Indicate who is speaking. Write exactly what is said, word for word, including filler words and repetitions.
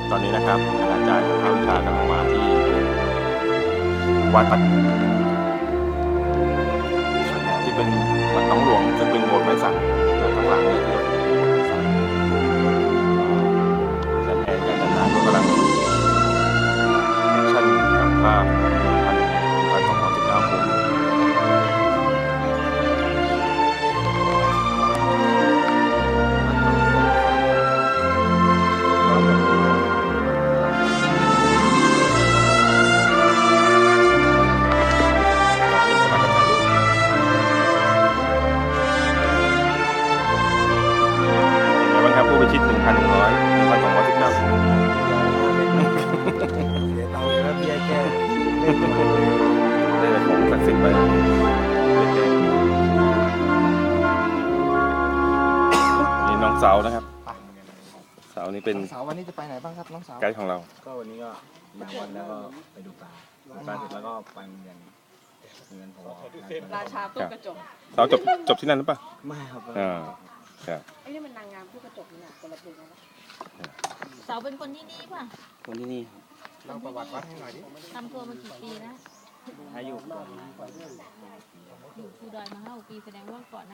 Speaker 1: ตอนนี้นะครับอาจารย์ภาควิชากำลังมาที่วัดที่เป็นวัดหนองหลวงซึ่งเป็นโบสถ์ไม้สักข้างหลังเนี่ยที่อาจารย์แอนกับอาจารย์นาก็กำลังแอคชั่นกับภาพหนึ่งพันหนึ่งพันสองร้อยสิบเก้าภูมิผู้พิชิตหนึ่งพันหนึ่งร้อยหนึ่งพันสองร้อยสิบเก้าภูมิได้แต่ของศักดิ์สิทธิ์ไปนี่น้องสาวนะครับสาวนี่เป็น
Speaker 2: สาววันนี้จะไปไหนบ้างครับน้องสาว
Speaker 1: ไกด์ของเรา
Speaker 3: ก็วันนี้ก็มาวันแล้วก็ไปดูปลาดูปลาเสร็จแล้วก็ไปโรงเรียนเรียนพอ
Speaker 4: ราชาตู้กระจก
Speaker 1: สาวจบจบที่นั่นหรือเปล่า
Speaker 3: ไม่ครับ
Speaker 1: อ่าครับ
Speaker 4: ไอ้นี่มันนางงามตู้กระจกนี่แหละคนละเพลงนะ
Speaker 5: เสาเป็นคนที่นี่ป่ะ
Speaker 3: คนที่นี่
Speaker 2: เล่าประวัติวัดให้หน่อยดิ
Speaker 5: ทำตัวมากี่ปีแล้ว
Speaker 3: อายุ
Speaker 5: อยู่ภูดอยมาห้าปีแสดงว่าก่อน